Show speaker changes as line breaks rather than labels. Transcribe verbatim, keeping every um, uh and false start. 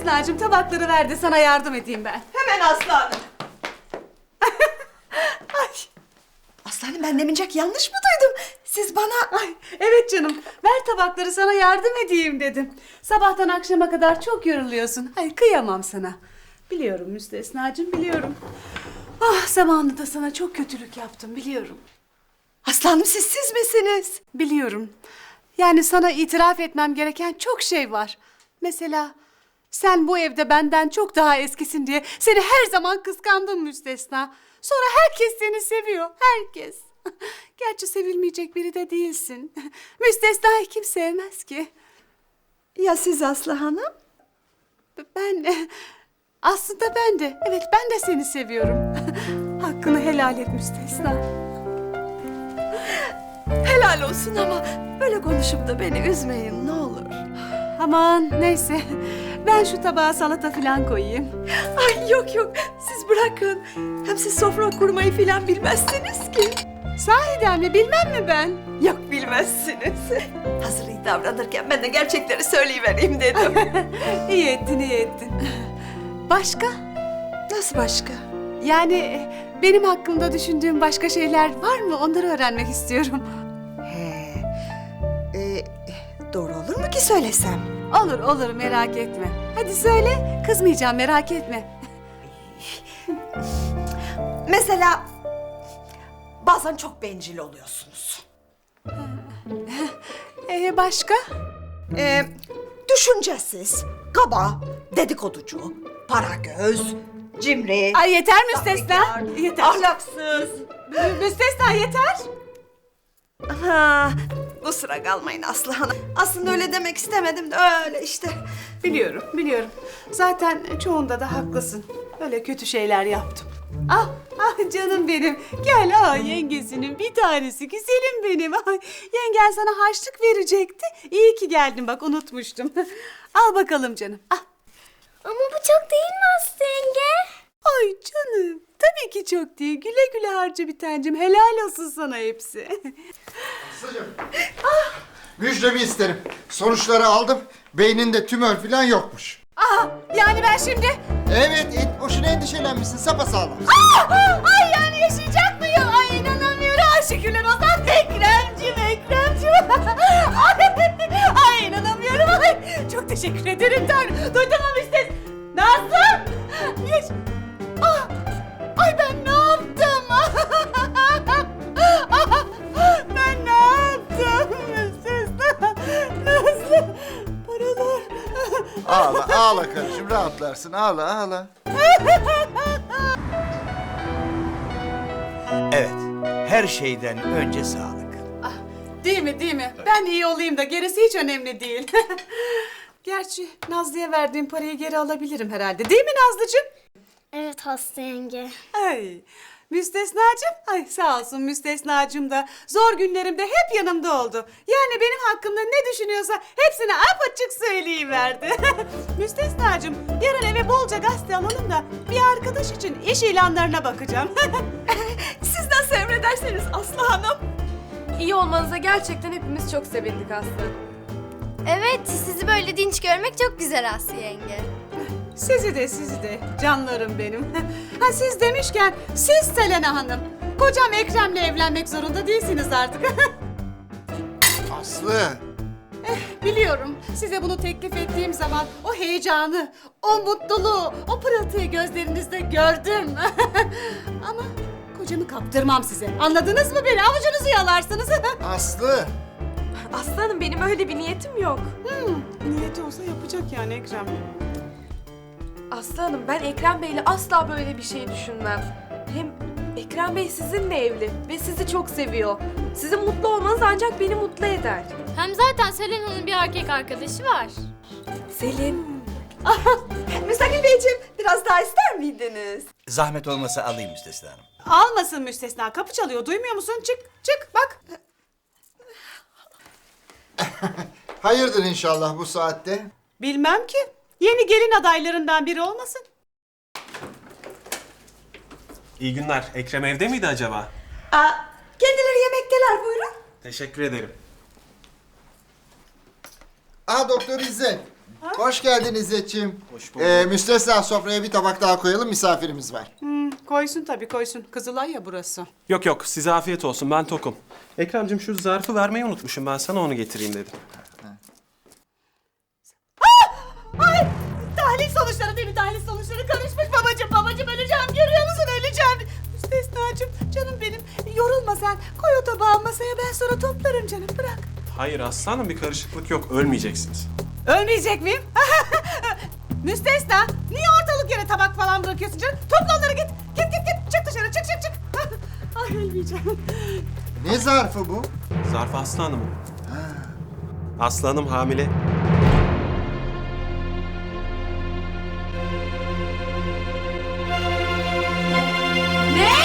Müstesnacığım tabakları ver de sana yardım edeyim ben.
Hemen aslanım.
Ay.
Aslanım ben demincek yanlış mı duydum? Siz bana...
Ay, evet canım, ver tabakları sana yardım edeyim dedim. Sabahtan akşama kadar çok yoruluyorsun. Ay kıyamam sana. Biliyorum Müstesnacığım, biliyorum. Ah, zamanında sana çok kötülük yaptım, biliyorum.
Aslanım siz siz misiniz?
Biliyorum. Yani sana itiraf etmem gereken çok şey var. Mesela sen bu evde benden çok daha eskisin diye seni her zaman kıskandım Müstesna. Sonra herkes seni seviyor, herkes. Gerçi sevilmeyecek biri de değilsin. Müstesna'yı kim sevmez ki?
Ya siz Aslı Hanım?
Ben, aslında ben de, evet ben de seni seviyorum. Hakkını helal et Müstesna.
Helal olsun ama böyle konuşup da beni üzmeyin ne olur.
Aman neyse, ben şu tabağa salata falan koyayım.
Ay yok yok siz bırakın. Hem siz sofra kurmayı filan bilmezsiniz ki.
Sahiden mi, bilmem mi ben?
Yok bilmezsiniz. Hazır iyi davranırken ben de gerçekleri söyleyivereyim dedim.
İyi ettin, iyi ettin. Başka?
Nasıl başka?
Yani benim hakkımda düşündüğün başka şeyler var mı? Onları öğrenmek istiyorum.
He. Ee, doğru olur mu ki söylesem?
Olur, olur merak etme. Hadi söyle, kızmayacağım merak etme.
Mesela bazen çok bencil oluyorsunuz.
Ee, başka?
Ee, düşüncesiz, kaba, dedikoducu, para göz, cimri,
Ay yeter Müstesna.
sahtekar,
Yeter.
ahlaksız.
Mü- Müstesna yeter.
Ha, kusura kalmayın Aslı Hanım. Aslında öyle demek istemedim de öyle işte.
Biliyorum, biliyorum. Zaten çoğunda da haklısın. Öyle kötü şeyler yaptım. Ah, ah canım benim. Gel ah yengesinin bir tanesi. Güzelim benim. Ay, yengen sana harçlık verecekti. İyi ki geldin bak unutmuştum. Al bakalım canım. Ah.
Ama bu çok değil mi Aslı yenge?
Ay canım. Tabii ki çok değil. Güle güle harca bir tancım. Helal olsun sana hepsi.
Aslıcığım. Müjdemi isterim. Sonuçları aldım. Beyninde tümör falan yokmuş.
Ah, yani ben şimdi...
Evet, et, boşuna endişelenmişsin. Sapasağlam.
Ah, ay yani yaşayacak mıyım? Ay inanamıyorum. Ay şükürler olsun. Ekremciğim, Ekremciğim. Ay, ay inanamıyorum. Ay, çok teşekkür ederim Tanrım. Duydun mu Müstes? Nasıl? Yaş... Ah, ay ben ne yaptım? Ben ne yaptım Müstes? Nasıl? Paralar...
Ağla, ağla kardeşim. Rahatlarsın. Ağla, ağla.
Evet, her şeyden önce sağlık.
Ah, değil mi değil mi? Ben iyi olayım da gerisi hiç önemli değil. Gerçi Nazlı'ya verdiğim parayı geri alabilirim herhalde. Değil mi Nazlıcığım?
Evet Aslı yenge.
Ay Müstesnacığım. Ay sağ olsun Müstesnacığım da zor günlerimde hep yanımda oldu. Yani benim hakkımda ne düşünüyorsa hepsini apaçık söyleyiverdi. Müstesnacığım yarın eve bolca gazete alalım da bir arkadaş için iş ilanlarına bakacağım.
Siz nasıl emrederseniz Aslı Hanım.
İyi olmanıza gerçekten hepimiz çok sevindik Aslı.
Evet sizi böyle dinç görmek çok güzel Aslı yenge.
Sizi de sizi de canlarım benim. Ha siz demişken siz Selena Hanım. Kocam Ekrem'le evlenmek zorunda değilsiniz artık.
Aslı.
Biliyorum size bunu teklif ettiğim zaman o heyecanı, o mutluluğu, o pırıltıyı gözlerinizde gördüm. Ama kocamı kaptırmam size. Anladınız mı beni? Avucunuzu yalarsınız.
Aslı.
Aslanım benim öyle bir niyetim yok.
Hmm, niyeti olsa yapacak yani Ekrem.
Aslanım ben Ekrem Bey'le asla böyle bir şey düşünmem. Hem Ekrem Bey sizinle evli ve sizi çok seviyor. Sizin mutlu olmanız ancak beni mutlu eder.
Hem zaten Selena'nın bir erkek arkadaşı var.
Selin.
Müstakil Beyciğim biraz daha ister miydiniz?
Zahmet olmasa alayım Müstesna Hanım.
Almasın müstesna. Kapı çalıyor. Duymuyor musun? Çık, çık bak.
Hayırdır inşallah bu saatte?
Bilmem ki. Yeni gelin adaylarından biri olmasın?
İyi günler. Ekrem evde miydi acaba?
Aa, kendileri yemekteler buyurun.
Teşekkür ederim.
Aa Doktor İzzet. Hoş geldin İzzetciğim.
Hoş bulduk.
Ee, müstesna sofraya bir tabak daha koyalım, misafirimiz var.
Hmm, koysun tabii koysun. Kızılay ya burası.
Yok yok size afiyet olsun ben tokum. Ekrem'cim şu zarfı vermeyi unutmuşum ben sana onu getireyim dedim.
Ay! Tahlil sonuçları değil mi? Tahlil sonuçları karışmış babacığım. Babacığım öleceğim. Görüyor musun? Öleceğim. Müstesnacığım canım benim. Yorulma sen. Koy o tabağı masaya, ben sonra toplarım canım. Bırak.
Hayır aslanım bir karışıklık yok ölmeyeceksiniz.
Ölmeyecek miyim? Müstesna, niye ortalık yere tabak falan bırakıyorsun canım? Topla onları git. Git git git. Çık dışarı. Çık çık çık. Ay ölmeyeceğim.
Ne zarfı bu?
Zarf aslanım. Aslanım hamile.
Ne?